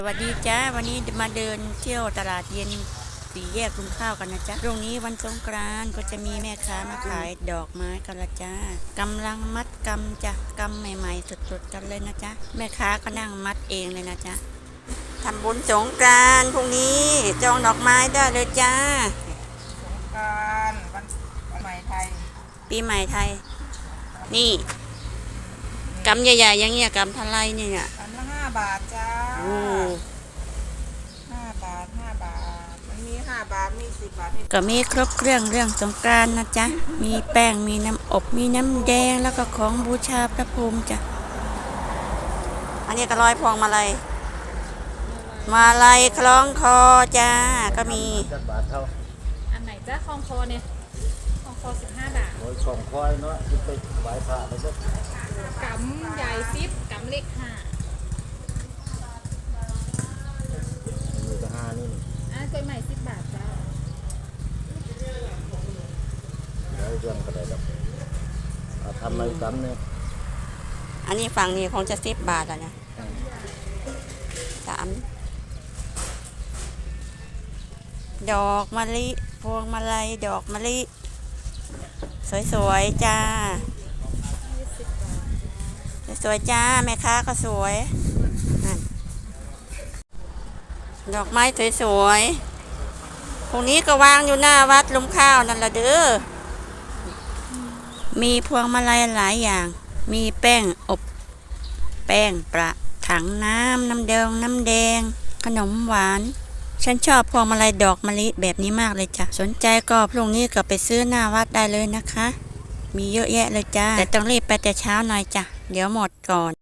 สวัสดีจ้าวันนี้มาเดินเที่ยวตลาดเย็นสี่แยกลุงข้าวกันนะจ๊ะตรงนี้วันสงกรานต์ก็จะมีแม่ค้ามาขายดอกไม้กันละจ้ากำลังมัดกำจ้ะกำใหม่ๆสดๆกันเลยนะจ๊ะแม่ค้าก็นั่งมัดเองเลยนะจ๊ะทำบุญสงกรานต์พรุ่งนี้จองดอกไม้ได้เลยจ้าการวันใหม่ไทยปีใหม่ไทยนี่กำใหญ่ๆอย่างเงี้ยกำเท่าไรเนี่ยอันละ5 บาทจ้าโอ้ 5 บาทมันมี5 บาทมี10 บาทก็มีครบเครื่องสงกรานต์นะจ๊ะมีแป้งมีน้ำอบมีน้ำแดงแล้วก็ของบูชาพระภูมิจ้ะอันนี้ก็ร้อยพวงมาลัยคล้องคอจ้าก็มีอันไหนจ้าคองคอเนี่ยคองคอ15 บาทโอ้ยของคอยเนาะที่ไปไหว้พระไปสักกำใหญ่10กำเล็ก5 มีแต่ห้านี่กล้วยใหม่10 บาทจ้าแล้วเรื่องก็ได้ดอกทำอะไรกันเนี่ยอันนี้ฝั่งนี้คงจะ10 บาทแล้วนะ3ดอกมะลิพวงมาลัยดอกมะลิสวยๆจ้าสวยจ้าแม่ค้าก็สวยนั่นดอกไม้สวยๆพวกนี้ก็วางอยู่หน้าวัดลุมข้าวนั่นละเด้อมีพวงมาลัยหลายอย่างมีแป้งอบแป้งประถังน้ำแดงขนมหวานฉันชอบพวงมาลัยดอกมะลิแบบนี้มากเลยจ้ะสนใจก็พรุ่งนี้ก็ไปซื้อหน้าวัดได้เลยนะคะมีเยอะแยะเลยจ้าแต่ต้องรีบไปแต่เช้าหน่อยจ้ะเดี๋ยวหมดก่อน